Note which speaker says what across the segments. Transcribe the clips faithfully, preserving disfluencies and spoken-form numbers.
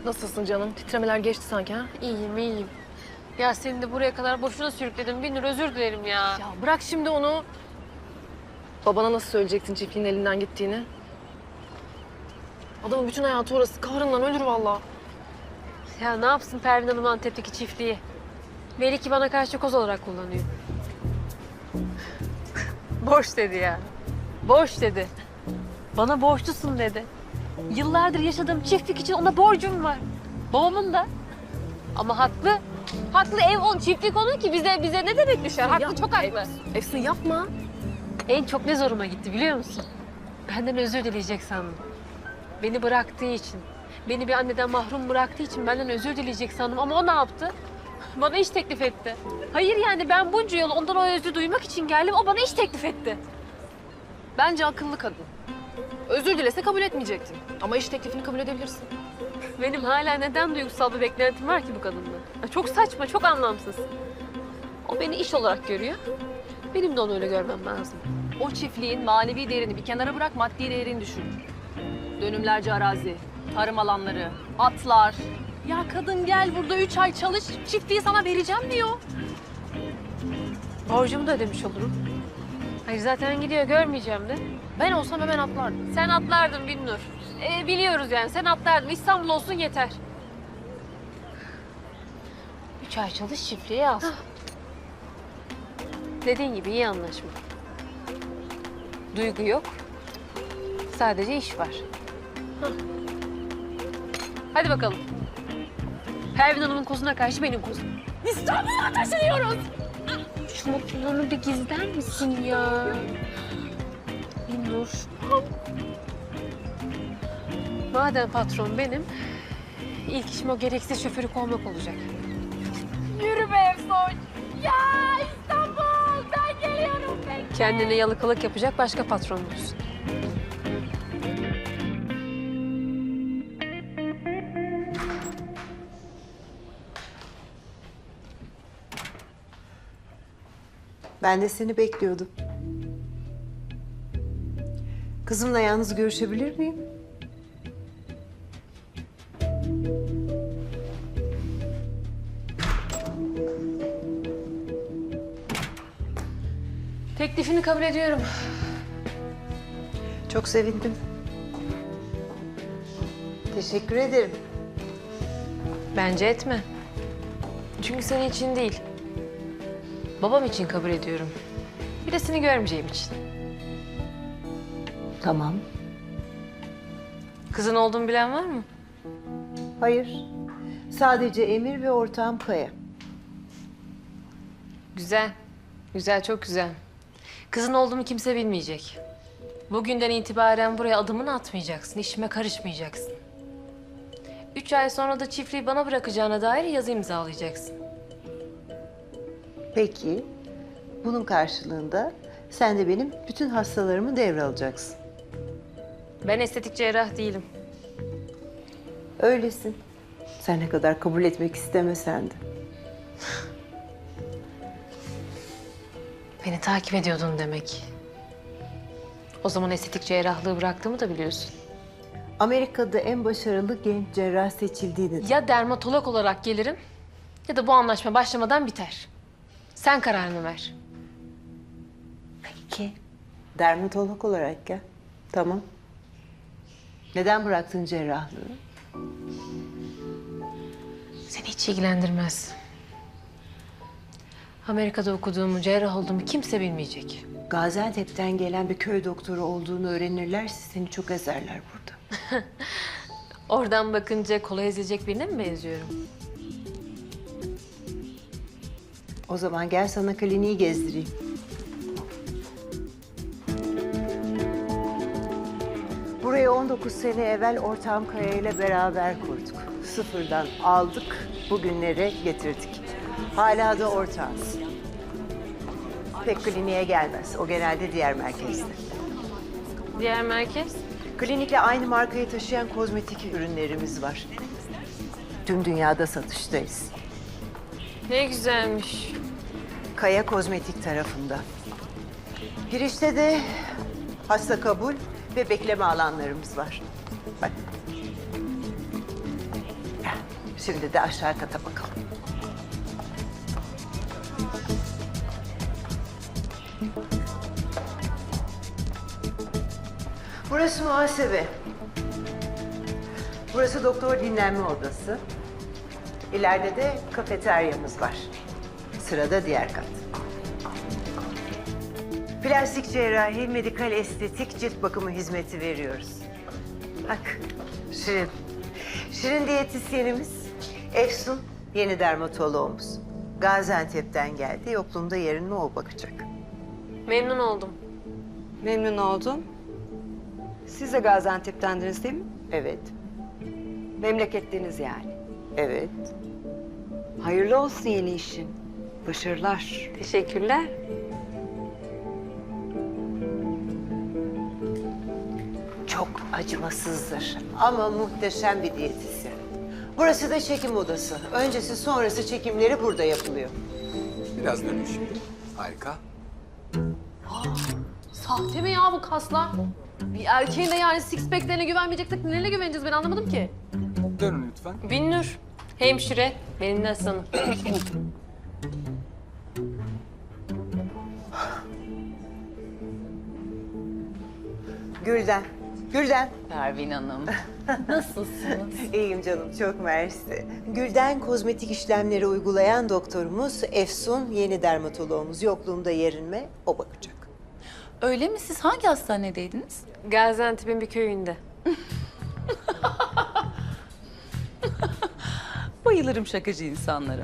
Speaker 1: Nasılsın canım? Titremeler geçti sanki ha?
Speaker 2: İyiyim, iyiyim. Ya seni de buraya kadar boşuna sürükledim. Binur, özür dilerim ya.
Speaker 1: Ya bırak şimdi onu. Babana nasıl söyleyecektin çiftliğin elinden gittiğini? Adamın bütün hayatı orası. Kahrından ölür vallahi.
Speaker 2: Ya ne yapsın Pervin Hanım Antep'teki çiftliği? Meliki bana karşı koz olarak kullanıyor. Boş dedi ya. Boş dedi. Bana borçlusun dedi. Yıllardır yaşadığım çiftlik için ona borcum var. Babamın da. Ama haklı. Haklı, ev on, çiftlik onun ki bize bize ne demek düşer? Haklı,
Speaker 1: Ya,
Speaker 2: çok haklı.
Speaker 1: Efsun yapma.
Speaker 2: En çok ne zoruma gitti biliyor musun? Benden özür dileyecek sandım. Beni bıraktığı için, beni bir anneden mahrum bıraktığı için benden özür dileyecek sandım. Ama o ne yaptı? Bana iş teklif etti. Hayır yani ben bunca yıl ondan o özrü duymak için geldim. O bana iş teklif etti.
Speaker 1: Bence akıllı kadın. Özür dilese kabul etmeyecektin. Ama iş teklifini kabul edebilirsin.
Speaker 2: Benim hala neden duygusal bir beklentim var ki bu kadından? Ya çok saçma, çok anlamsız. O beni iş olarak görüyor. Benim de onu öyle görmem lazım.
Speaker 1: O çiftliğin manevi değerini bir kenara bırak, maddi değerini düşün. Dönümlerce arazi, tarım alanları, atlar. Ya kadın gel burada üç ay çalış, çiftliği sana vereceğim diyor.
Speaker 2: Borcumu da ödemiş olurum. Hayır zaten gidiyor, görmeyeceğim de.
Speaker 1: Ben olsam hemen atlardım.
Speaker 2: Sen atlardın Binnur. Ee, biliyoruz yani, sen atlardın. İstanbul olsun yeter. Üç ay çalış, çiftliği al. Dediğin gibi iyi anlaşma. Duygu yok. Sadece iş var. Hah. Hadi bakalım. Pervin Hanım'ın kozuna karşı benim kozum.
Speaker 1: İstanbul'a taşınıyoruz.
Speaker 2: Şu mutluluğunu bir gizler misin ya? Binnur. Madem patron benim, ilk işim o gereksiz şoförü kovmak olacak.
Speaker 1: Yürü be Efsoy. Ya İstanbul, ben geliyorum. Ben...
Speaker 2: Kendine yalakalık yapacak başka patron bulsun.
Speaker 3: Ben de seni bekliyordum. Kızımla yalnız görüşebilir miyim?
Speaker 2: Teklifini kabul ediyorum.
Speaker 3: Çok sevindim. Teşekkür ederim.
Speaker 2: Bence etme. Çünkü senin için değil. Babam için kabul ediyorum. Bir de seni görmeyeceğim için.
Speaker 3: Tamam.
Speaker 2: Kızın olduğumu bilen var mı?
Speaker 3: Hayır. Sadece Emir ve ortağım Kaya.
Speaker 2: Güzel. Güzel, çok güzel. Kızın olduğumu kimse bilmeyecek. Bugünden itibaren buraya adımını atmayacaksın, işime karışmayacaksın. Üç ay sonra da çiftliği bana bırakacağına dair yazı imzalayacaksın.
Speaker 3: Peki. Bunun karşılığında sen de benim bütün hastalarımı devralacaksın.
Speaker 2: Ben estetik cerrah değilim.
Speaker 3: Öylesin. Sen ne kadar kabul etmek istemesen de.
Speaker 2: Beni takip ediyordun demek. O zaman estetik cerrahlığı bıraktığımı da biliyorsun.
Speaker 3: Amerika'da en başarılı genç cerrah seçildiğini...
Speaker 2: Ya dermatolog olarak gelirim ya da bu anlaşma başlamadan biter. Sen kararını ver.
Speaker 3: Peki. Dermatolog olarak gel. Tamam. Neden bıraktın cerrahlığı?
Speaker 2: Seni hiç ilgilendirmez. Amerika'da okuduğumu, cerrah olduğumu kimse bilmeyecek.
Speaker 3: Gaziantep'ten gelen bir köy doktoru olduğunu öğrenirlerse seni çok ezerler burada.
Speaker 2: Oradan bakınca kolay ezilecek birine mi benziyorum?
Speaker 3: O zaman gel sana kliniği gezdireyim. Burayı on dokuz sene evvel ortağım Kaya ile beraber kurduk. Sıfırdan aldık, bugünlere getirdik. Hala da ortağız. Pek kliniğe gelmez. O genelde diğer merkezde.
Speaker 2: Diğer merkez?
Speaker 3: Klinikle aynı markayı taşıyan kozmetik ürünlerimiz var. Tüm dünyada satıştayız.
Speaker 2: Ne güzelmiş.
Speaker 3: Kaya Kozmetik tarafında. Girişte de hasta kabul ve bekleme alanlarımız var. Bak. Şimdi de aşağı kata bakalım. Burası muhasebe. Burası doktor dinlenme odası. İleride de kafeteryamız var. Sırada diğer kat. Plastik cerrahi, medikal estetik, cilt bakımı hizmeti veriyoruz. Bak, Şirin. Şirin diyetisyenimiz, Efsun yeni dermatoloğumuz. Gaziantep'ten geldi, yokluğumda yerine o bakacak.
Speaker 2: Memnun oldum.
Speaker 4: Memnun oldum. Siz de Gaziantep'tendiniz değil mi?
Speaker 3: Evet,
Speaker 4: Memleketliniz yani.
Speaker 3: evet.
Speaker 4: Hayırlı olsun yeni işin. Başarılar.
Speaker 2: Teşekkürler.
Speaker 3: Çok acımasızdır ama muhteşem bir diyetisyen. Burası da çekim odası. Öncesi sonrası çekimleri burada yapılıyor.
Speaker 5: Biraz dönün şimdi. Harika.
Speaker 1: Sahte mi ya bu kaslar? Bir erkeğin de yani six pack'lerine güvenmeyeceksek nelerine güveneceğiz ben anlamadım ki.
Speaker 5: Dönün lütfen.
Speaker 2: Binnur, hemşire, benim de aslanım.
Speaker 3: Gülden, Gülden.
Speaker 1: Pervin Hanım. Nasılsınız?
Speaker 3: İyiyim canım, çok mersi. Gülden kozmetik işlemleri uygulayan doktorumuz, Efsun yeni dermatoloğumuz. Yokluğumda yerinme, o bakacak.
Speaker 6: Öyle mi? Siz hangi hastanedeydiniz?
Speaker 2: Gaziantep'in bir köyünde.
Speaker 6: Bayılırım şakacı insanlara.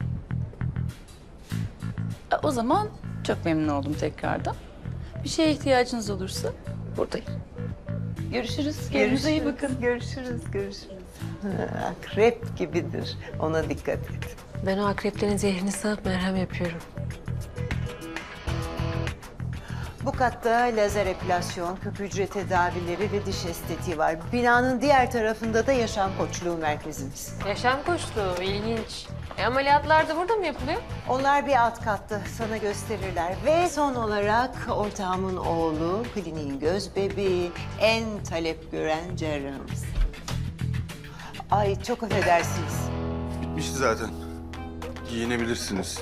Speaker 6: E, O zaman çok memnun oldum tekrardan. Bir şeye ihtiyacınız olursa buradayım. Görüşürüz. Kendinize iyi bakın.
Speaker 3: Görüşürüz, görüşürüz. Ha, Akrep gibidir, ona dikkat et.
Speaker 2: Ben o akreplerin zehrini sağıp merhem yapıyorum.
Speaker 3: Bu katta lazer epilasyon, küp hücre tedavileri ve diş estetiği var. Binanın diğer tarafında da yaşam koçluğu merkezimiz.
Speaker 2: Yaşam koçluğu, ilginç. E, ameliyatlar da burada mı yapılıyor?
Speaker 3: Onlar bir alt katta, sana gösterirler. Ve son olarak ortağımın oğlu, kliniğin göz bebeği, en talep gören cerrahımız. Ay çok affedersiniz.
Speaker 7: Bitmişti zaten. Giyinebilirsiniz.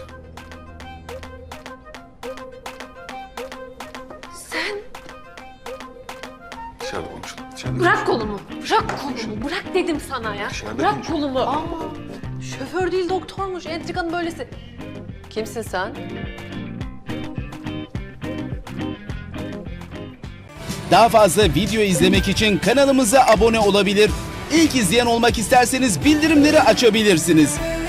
Speaker 2: Sen
Speaker 7: Dışarıda konuşalım. Dışarıda
Speaker 2: bırak kolumu, bırak kolumu, bırak dedim sana ya.
Speaker 7: Dışarıda
Speaker 2: Bırak
Speaker 7: konuşalım.
Speaker 2: kolumu.
Speaker 1: Ama şoför değil doktormuş. Entrikanın böylesi. Kimsin sen?
Speaker 8: Daha fazla video izlemek için kanalımıza abone olabilir. İlk izleyen olmak isterseniz bildirimleri açabilirsiniz.